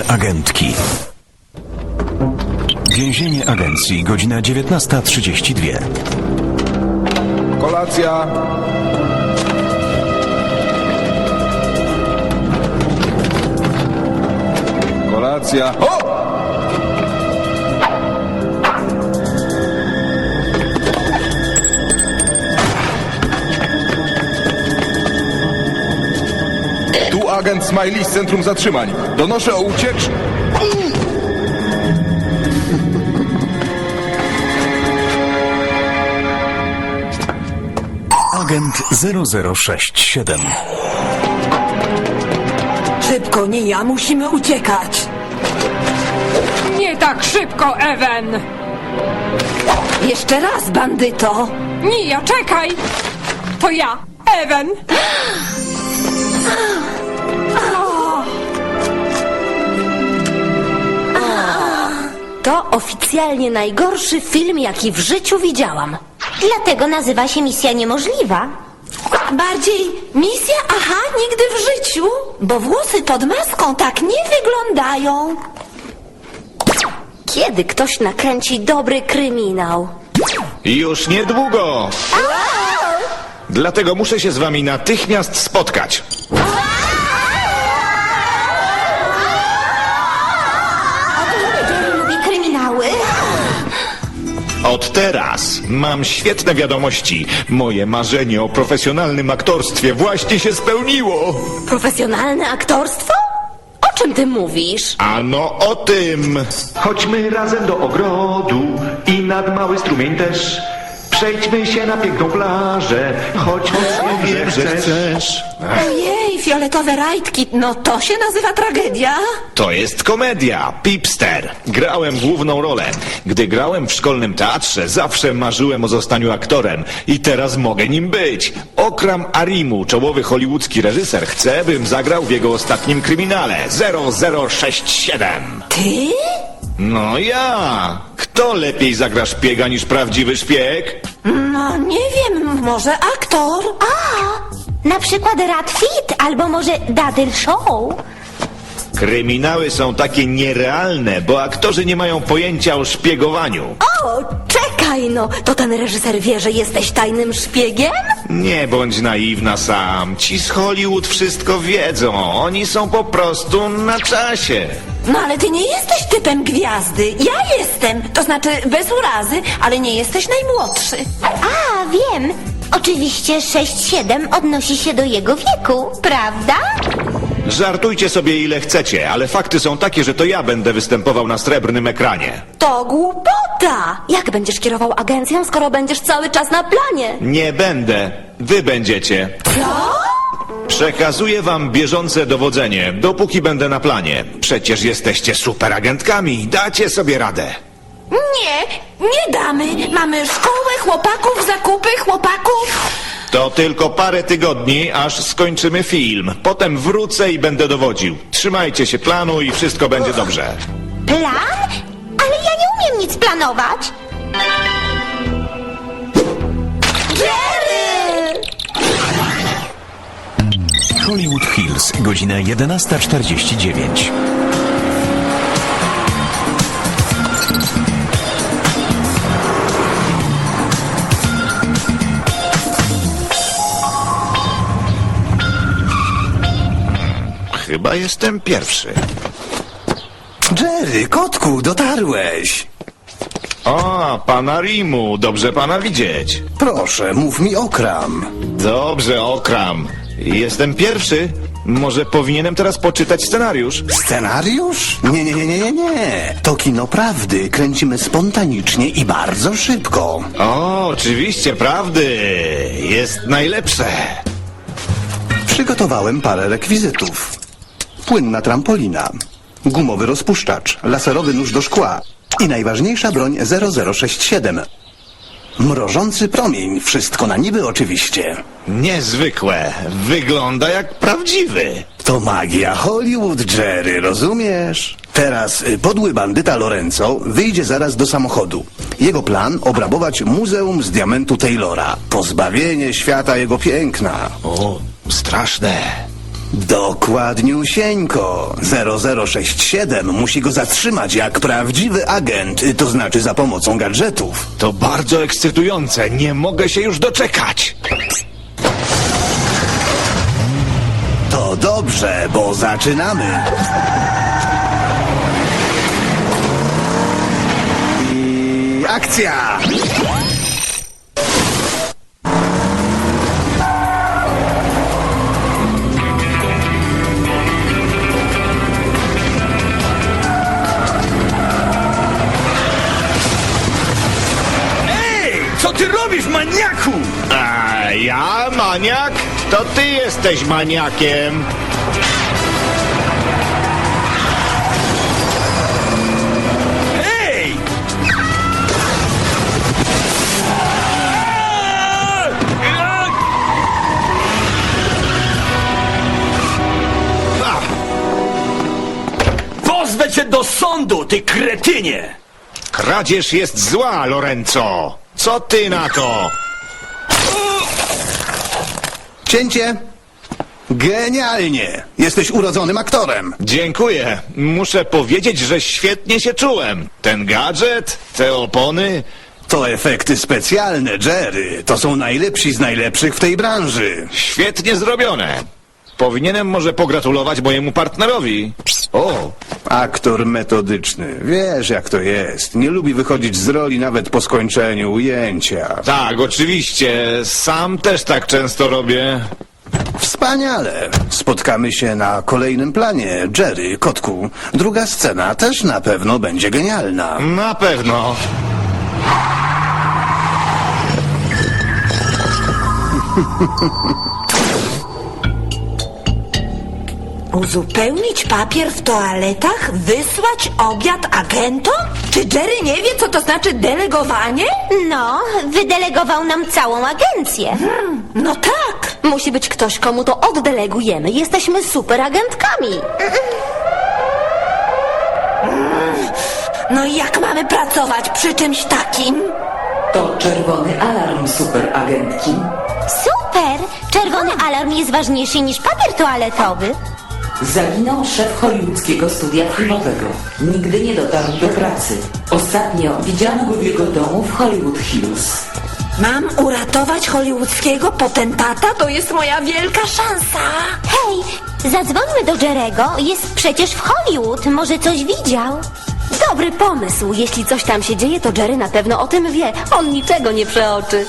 Superagentki. Więzienie agencji, godzina 19:32. Kolacja. Kolacja. O! Tu agent Smiley z Centrum Zatrzymań. Donoszę o ucieczce. Agent 0067. Szybko, nie ja, musimy uciekać. Nie tak szybko, Ewen! Jeszcze raz, bandyto. Nie ja, czekaj! To ja, Ewen! To oficjalnie najgorszy film, jaki w życiu widziałam. Dlatego nazywa się Misja Niemożliwa. Bardziej misja, aha, nigdy w życiu. Bo włosy pod maską tak nie wyglądają. Kiedy ktoś nakręci dobry kryminał? Już niedługo. Dlatego muszę się z wami natychmiast spotkać. Lubi kryminały. Od teraz mam świetne wiadomości. Moje marzenie o profesjonalnym aktorstwie właśnie się spełniło. Profesjonalne aktorstwo? O czym ty mówisz? Ano o tym. Chodźmy razem do ogrodu i nad mały strumień też. Przejdźmy się na piękną plażę, choć mocno wiem, że chcesz. Ojej, fioletowe rajtki, no to się nazywa tragedia. To jest komedia, Pipster. Grałem główną rolę. Gdy grałem w szkolnym teatrze, zawsze marzyłem o zostaniu aktorem. I teraz mogę nim być. Okram Arimu, czołowy hollywoodzki reżyser, chce, bym zagrał w jego ostatnim kryminale 0067. Ty? No ja! Kto lepiej zagra szpiega niż prawdziwy szpieg? No nie wiem, może aktor? Na przykład Rat Fit albo może Dadyl Show? Kryminały są takie nierealne, bo aktorzy nie mają pojęcia o szpiegowaniu. O, czekaj no, to ten reżyser wie, że jesteś tajnym szpiegiem? Nie bądź naiwna sam. Ci z Hollywood wszystko wiedzą. Oni są po prostu na czasie. No ale ty nie jesteś typem gwiazdy, ja jestem. To znaczy bez urazy, ale nie jesteś najmłodszy. A, wiem. Oczywiście 6-7 odnosi się do jego wieku, prawda? Żartujcie sobie ile chcecie, ale fakty są takie, że to ja będę występował na srebrnym ekranie. To głupota! Jak będziesz kierował agencją, skoro będziesz cały czas na planie? Nie będę. Wy będziecie. Co? Przekazuję wam bieżące dowodzenie, dopóki będę na planie. Przecież jesteście superagentkami. Dacie sobie radę. Nie, nie damy. Mamy szkołę chłopaków, zakupy chłopaków. To tylko parę tygodni, aż skończymy film. Potem wrócę i będę dowodził. Trzymajcie się planu i wszystko będzie dobrze. Plan? Ale ja nie umiem nic planować. Jerry! Hollywood Hills, godzina 11:49. Chyba jestem pierwszy. Jerry, kotku, dotarłeś. O, pana Rimu, dobrze pana widzieć. Proszę, mów mi Okram. Dobrze, Okram. Jestem pierwszy. Może powinienem teraz poczytać scenariusz? Scenariusz? Nie. To kino prawdy. Kręcimy spontanicznie i bardzo szybko. O, oczywiście, prawdy. Jest najlepsze. Przygotowałem parę rekwizytów. Płynna trampolina, gumowy rozpuszczacz, laserowy nóż do szkła i najważniejsza broń 0067. Mrożący promień, wszystko na niby oczywiście. Niezwykłe. Wygląda jak prawdziwy. To magia Hollywood, Jerry, rozumiesz? Teraz podły bandyta Lorenzo wyjdzie zaraz do samochodu. Jego plan obrabować Muzeum z Diamentu Taylora. Pozbawienie świata jego piękna. O, straszne. Dokładniusieńko. 0067 musi go zatrzymać jak prawdziwy agent, to znaczy za pomocą gadżetów. To bardzo ekscytujące, nie mogę się już doczekać. To dobrze, bo zaczynamy. I akcja! Co ty robisz, maniaku? A ja, maniak? To ty jesteś maniakiem. Ej! Pozwę cię do sądu, ty kretynie! Kradzież jest zła, Lorenzo. Co ty na to? Cięcie! Genialnie! Jesteś urodzonym aktorem. Dziękuję. Muszę powiedzieć, że świetnie się czułem. Ten gadżet, te opony. To efekty specjalne, Jerry. To są najlepsi z najlepszych w tej branży. Świetnie zrobione. Powinienem może pogratulować mojemu partnerowi. O, Aktor metodyczny. Wiesz, jak to jest. Nie lubi wychodzić z roli nawet po skończeniu ujęcia. tak, oczywiście. Sam też tak często robię. Wspaniale. Spotkamy się na kolejnym planie. Jerry, kotku. Druga scena też na pewno będzie genialna. Na pewno. Uzupełnić papier w toaletach? Wysłać obiad agentom? Czy Jerry nie wie, co to znaczy delegowanie? No, wydelegował nam całą agencję. No tak. Musi być ktoś, komu to oddelegujemy. Jesteśmy superagentkami. No i jak mamy pracować przy czymś takim? To czerwony alarm, superagentki. Super! Czerwony alarm jest ważniejszy niż papier toaletowy. Zaginął szef hollywoodzkiego studia filmowego. Nigdy nie dotarł do pracy. Ostatnio widziano go w jego domu w Hollywood Hills. Mam uratować hollywoodzkiego potentata? To jest moja wielka szansa. Hej, zadzwońmy do Jerego. Jest przecież w Hollywood. Może coś widział. Dobry pomysł. Jeśli coś tam się dzieje, to Jerry na pewno o tym wie. On niczego nie przeoczy.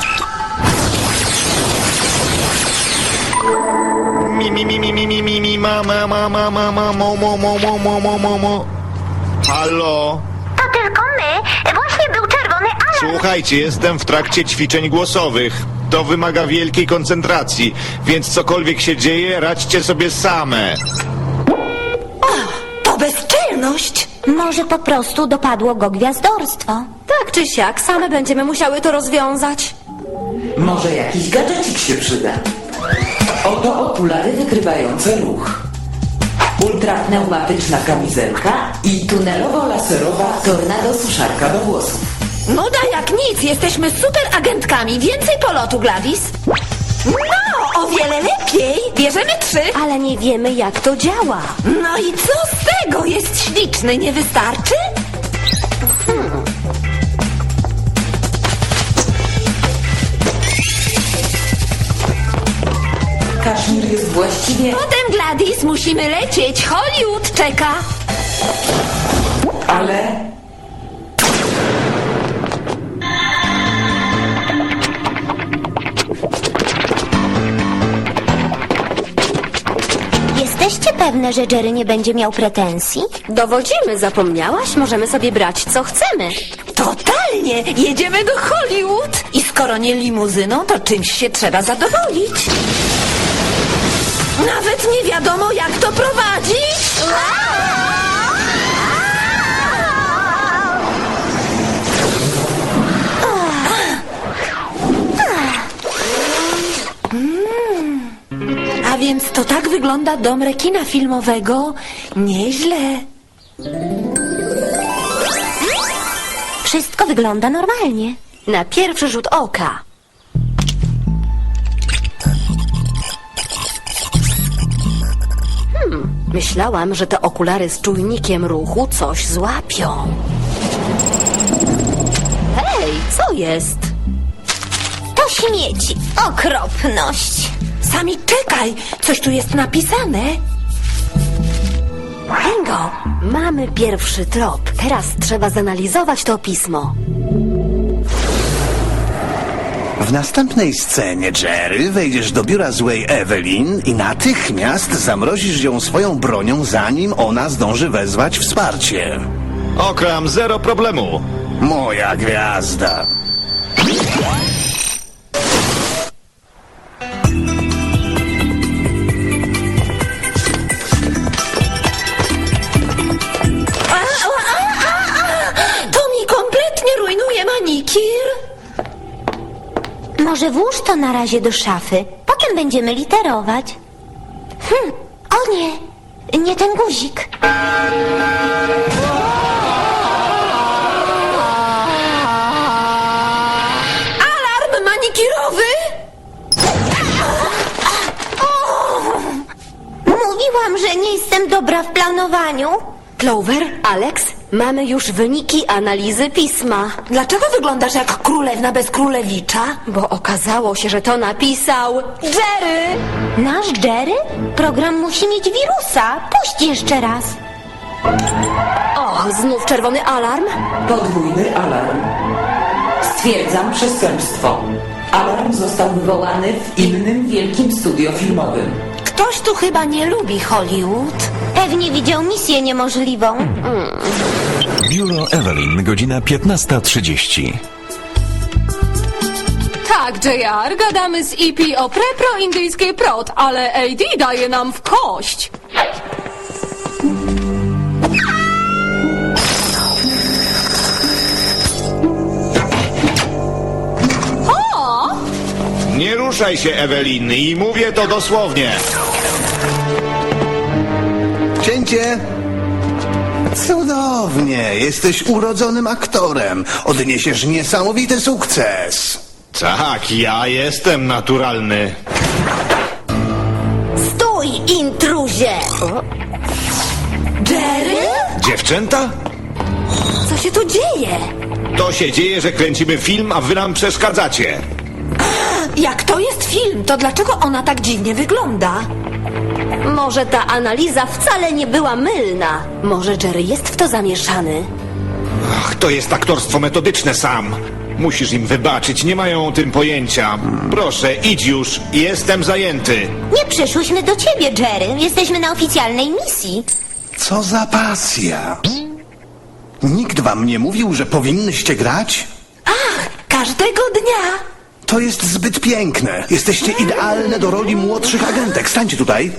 Halo? To tylko my. Właśnie był czerwony alarm. Słuchajcie, jestem w trakcie ćwiczeń głosowych. To wymaga wielkiej koncentracji, więc cokolwiek się dzieje, radźcie sobie same. To bezczelność. Może po prostu dopadło go gwiazdorstwo. Tak czy siak, same będziemy musiały to rozwiązać. Może jakiś gadżecik się przyda. Oto okulary wykrywające ruch. Ultrapneumatyczna kamizelka i tunelowo-laserowa tornado suszarka do włosów. Nuda jak nic. Jesteśmy super agentkami. Więcej polotu, Gladys. No, o wiele lepiej. Bierzemy 3. Ale nie wiemy, jak to działa. No i co z tego? Jest śliczny, nie wystarczy? Kaszmir jest właściwie... Potem, Gladys, musimy lecieć. Hollywood czeka. Ale... Jesteście pewne, że Jerry nie będzie miał pretensji? Dowodzimy, zapomniałaś? Możemy sobie brać, co chcemy. Totalnie. Jedziemy do Hollywood. I skoro nie limuzyną, to czymś się trzeba zadowolić. Nawet nie wiadomo, jak to prowadzić. A więc to tak wygląda dom rekina filmowego. Nieźle. Wszystko wygląda normalnie. Na pierwszy rzut oka. Myślałam, że te okulary z czujnikiem ruchu coś złapią. Hej, co jest? To śmieci. Okropność. Sami czekaj, coś tu jest napisane. Bingo! Mamy pierwszy trop. Teraz trzeba zanalizować to pismo. W następnej scenie, Jerry, wejdziesz do biura złej Evelyn i natychmiast zamrozisz ją swoją bronią, zanim ona zdąży wezwać wsparcie. Okram, zero problemu. Moja gwiazda. To mi kompletnie rujnuje manikir. Może włóż to na razie do szafy. Potem będziemy literować. O nie, nie ten guzik. Alarm manikirowy? Mówiłam, że nie jestem dobra w planowaniu. Clover, Alex, mamy już wyniki analizy pisma. Dlaczego wyglądasz jak królewna bez królewicza? Bo okazało się, że to napisał Jerry! Nasz Jerry? Program musi mieć wirusa. Puść jeszcze raz. O, znów czerwony alarm? Podwójny alarm. Stwierdzam przestępstwo. Alarm został wywołany w innym wielkim studio filmowym. Ktoś tu chyba nie lubi Hollywood. Pewnie widział misję niemożliwą. Biuro Evelyn, godzina 15:30. Tak, JR, gadamy z EP o prepro-indyjskiej prot, ale AD daje nam w kość. Nie ruszaj się, Ewelin, i mówię to dosłownie. Cięcie! Cudownie, jesteś urodzonym aktorem. Odniesiesz niesamowity sukces. Tak, ja jestem naturalny. Stój, intruzie! Jerry? Dziewczęta? Co się tu dzieje? To się dzieje, że kręcimy film, a wy nam przeszkadzacie. Jak to jest film, to dlaczego ona tak dziwnie wygląda? Może ta analiza wcale nie była mylna. Może Jerry jest w to zamieszany. Ach, to jest aktorstwo metodyczne, Sam. Musisz im wybaczyć, nie mają o tym pojęcia. Proszę, idź już, jestem zajęty. Nie przyszłyśmy do ciebie, Jerry. Jesteśmy na oficjalnej misji. Co za pasja. Nikt wam nie mówił, że powinnyście grać? Każdego dnia. To jest zbyt piękne. Jesteście idealne do roli młodszych agentek. Stańcie tutaj.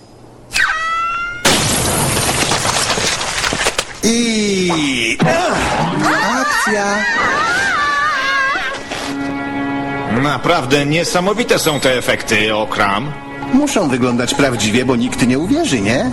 I... Akcja! Naprawdę niesamowite są te efekty, Okram. Muszą wyglądać prawdziwie, bo nikt nie uwierzy, nie?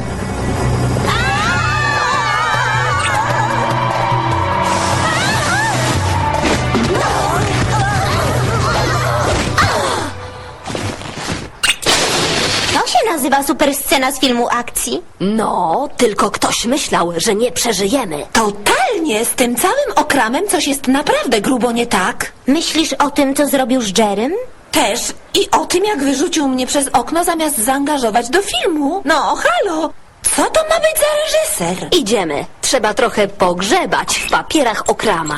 To się nazywa superscena z filmu akcji. No, tylko ktoś myślał, że nie przeżyjemy. Totalnie, z tym całym okramem coś jest naprawdę grubo nie tak. Myślisz o tym, co zrobił z Jerrym? Też i o tym, jak wyrzucił mnie przez okno zamiast zaangażować do filmu. No, halo, co to ma być za reżyser? Idziemy. Trzeba trochę pogrzebać w papierach Okrama.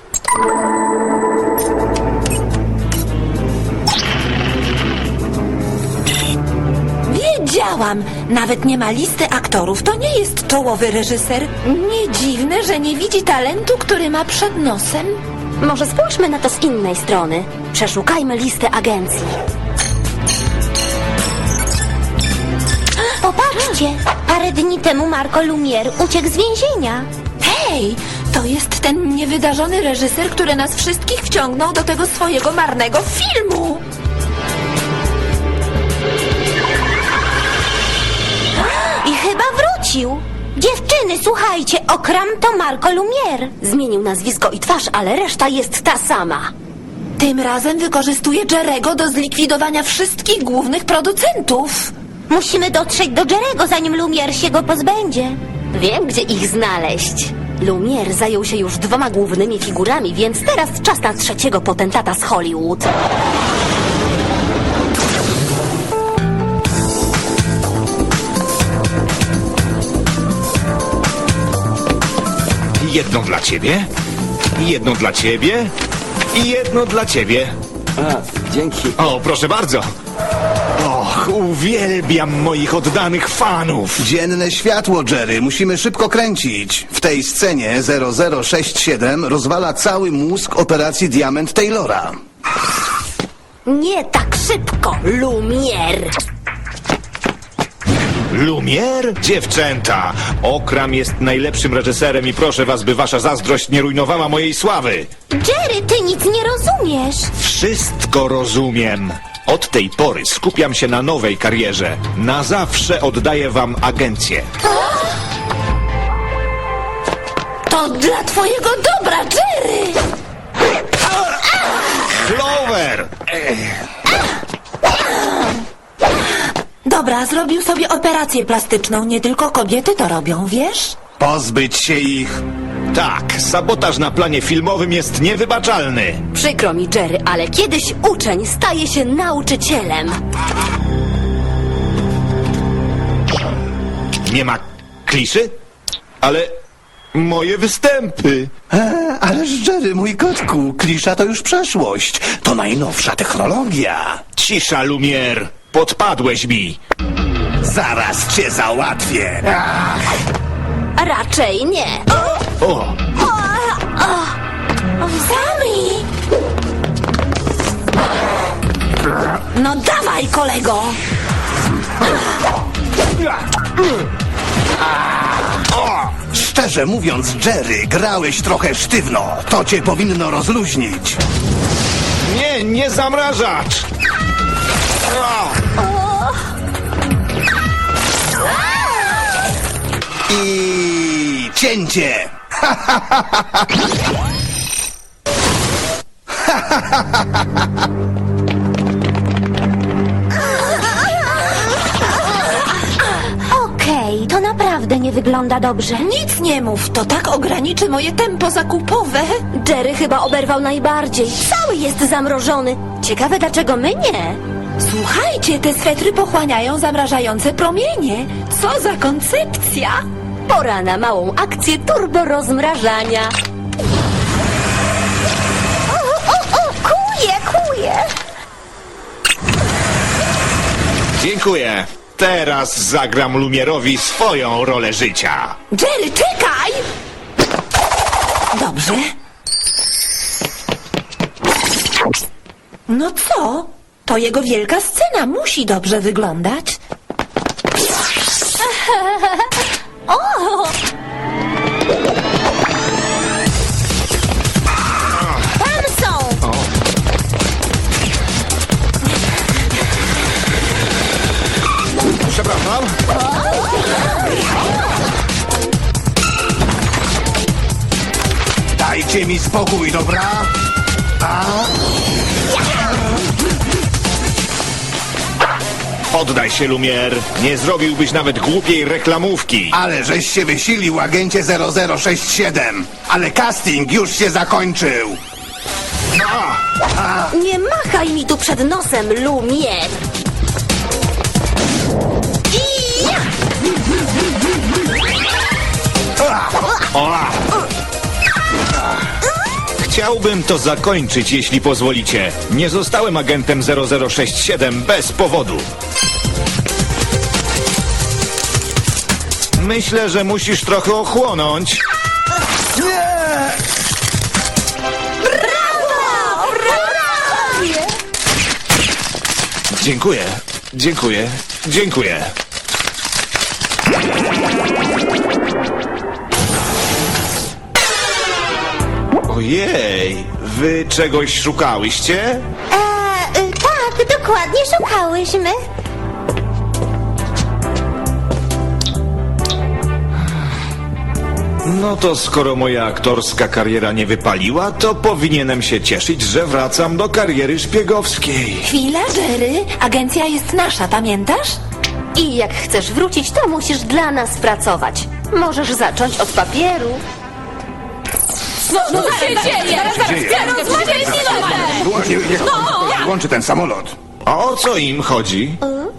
Wiedziałam, nawet nie ma listy aktorów, to nie jest czołowy reżyser. Nie dziwne, że nie widzi talentu, który ma przed nosem. Może spójrzmy na to z innej strony. Przeszukajmy listę agencji. Popatrzcie, parę dni temu Marco Lumière uciekł z więzienia. Hej, to jest ten niewydarzony reżyser, który nas wszystkich wciągnął do tego swojego marnego filmu. I chyba wrócił. Dziewczyny, słuchajcie, Okram to Marco Lumière. Zmienił nazwisko i twarz, ale reszta jest ta sama. Tym razem wykorzystuje Jerego do zlikwidowania wszystkich głównych producentów. Musimy dotrzeć do Jerego, zanim Lumière się go pozbędzie. Wiem, gdzie ich znaleźć. Lumière zajął się już 2 głównymi figurami, więc teraz czas na 3. potentata z Hollywood. Jedną dla ciebie, jedną dla ciebie i jedną dla ciebie. Dzięki. O, proszę bardzo. Och, uwielbiam moich oddanych fanów. Dzienne światło, Jerry. Musimy szybko kręcić. W tej scenie 0067 rozwala cały mózg operacji Diament Taylora. Nie tak szybko, Lumière! Lumière? Dziewczęta, Okram jest najlepszym reżyserem i proszę was, by wasza zazdrość nie rujnowała mojej sławy. Jerry, ty nic nie rozumiesz. Wszystko rozumiem. Od tej pory skupiam się na nowej karierze. Na zawsze oddaję wam agencję. To dla twojego dobra, Jerry! Clover! Dobra, zrobił sobie operację plastyczną. Nie tylko kobiety to robią, wiesz? Pozbyć się ich. Tak, sabotaż na planie filmowym jest niewybaczalny. Przykro mi, Jerry, ale kiedyś uczeń staje się nauczycielem. Nie ma kliszy? Ale moje występy. Ależ Jerry, mój kotku, klisza to już przeszłość. To najnowsza technologia. Cisza, Lumière. Podpadłeś mi. Zaraz cię załatwię. Raczej nie. O, Sami! No dawaj, kolego! Szczerze mówiąc, Jerry, grałeś trochę sztywno. To cię powinno rozluźnić. nie, nie zamrażacz. I cięcie. Okej, to naprawdę nie wygląda dobrze. Nic nie mów, to tak ograniczy moje tempo zakupowe. Jerry chyba oberwał najbardziej. Cały jest zamrożony. Ciekawe, dlaczego my nie? Słuchajcie, te swetry pochłaniają zamrażające promienie. Co za koncepcja! Pora na małą akcję turbo rozmrażania. Kuje. Dziękuję. Teraz zagram Lumierowi swoją rolę życia. Jerry, czekaj! Dobrze. No co? To jego wielka scena musi dobrze wyglądać. Tam są! Przepraszam. Dajcie mi spokój, dobra? Oddaj się, Lumière. Nie zrobiłbyś nawet głupiej reklamówki. Ale żeś się wysilił, agencie 0067. Ale casting już się zakończył. Nie machaj mi tu przed nosem, Lumière! Chciałbym to zakończyć, jeśli pozwolicie. Nie zostałem agentem 0067 bez powodu. Myślę, że musisz trochę ochłonąć. Dziękuję, dziękuję, dziękuję. Ojej, wy czegoś szukałyście? Tak, dokładnie szukałyśmy. No to skoro moja aktorska kariera nie wypaliła, to powinienem się cieszyć, że wracam do kariery szpiegowskiej. Chwila, Jerry. Agencja jest nasza, pamiętasz? I jak chcesz wrócić, to musisz dla nas pracować. Możesz zacząć od papieru. No co się dzieje? Ja rozmawiaj z pilotem! Włączy ten samolot. A o co im chodzi?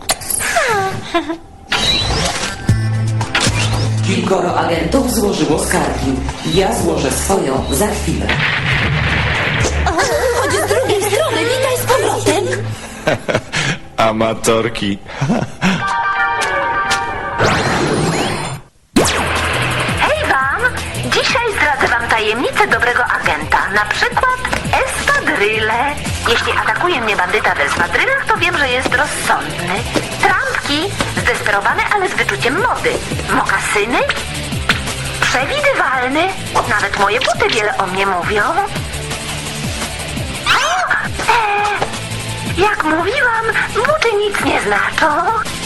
Kilkoro agentów złożyło skargi. Ja złożę swoją za chwilę. Chodź z drugiej strony, witaj z powrotem. Amatorki. Hej wam! Dzisiaj zdradzę wam tajemnicę dobrego agenta. Na przykład espadryle. Jeśli atakuje mnie bandyta w espadrylach, to wiem, że jest rozsądny. Trampki, zdesperowane, ale z wyczuciem mody. Mokasyny, przewidywalny. Nawet moje buty wiele o mnie mówią. Jak mówiłam, buty nic nie znaczą.